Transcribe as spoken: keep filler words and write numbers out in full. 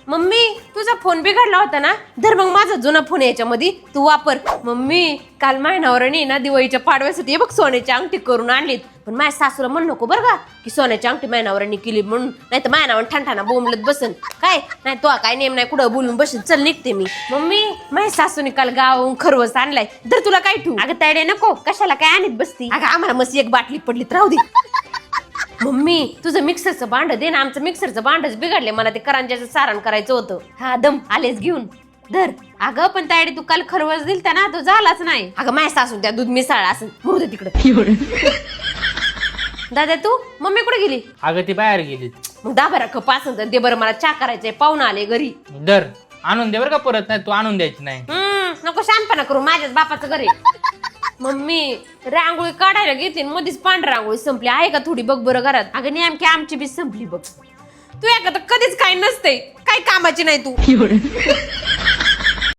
Mummy तुझा phone बिघडला होता ना, धर मग माझा जुना फोन याच्यामध्ये तू वापर. मम्मी काल मायनावरांनी ना दिवाळीच्या पाडव्यासाठी हे बघ सोन्याची अंगठी करून आणलीत, पण माझ्या सासूला म्हण नको बरं का की सोन्याची अंगठी मायनावरांनी केली म्हणून, नाही तर मायनावर ठणठाणा बोंबलत बसन काय. नाही तो काय नेम नाही कुठं बोलून बसेल. चल निघते मी. मम्मी माझ्या सासूने काल गावाहून खरवस आणलाय, तर तुला काय ठेवू. अगं तायडे नको, कशाला काय आणत बसती. अगं आम्हाला मस्त एक बाटली पडलीत राहू दे. मम्मी तुझं मिक्सरचं भांड दे ना, आमचं मिक्सरचं भांडच बिघडले, मला ते करंजाचं सारण करायचं होतं. हा दम आलेच घेऊन धर. अगं पण तायडे तू काल खरवस दिलता ना, तो झालाच नाही. अगं माझ्या सासून त्या दूध मिसळला असं मुरू दे तिकडे. दादा तू मम्मी कुठे गेली. अगं ती बाहेर गेली. मग दहा बारा कप असं तर दे बरं, मला चहा करायचंय, पाहुणा आले घरी. दर आणून दे बरं का, परत नाही तू आणून द्यायची नाही. हम्म नको शानपणा करू, माझ्याच बापाचं घरी. मम्मी रांगोळी काढायला घेते मध्येच पांढरी रांगोळी संपली, आहे का थोडी बघ बरं घरात. अगं नेमकी आमची बी संपली बघ. तू एका तर कधीच काही नसते, काही कामाची नाही तू.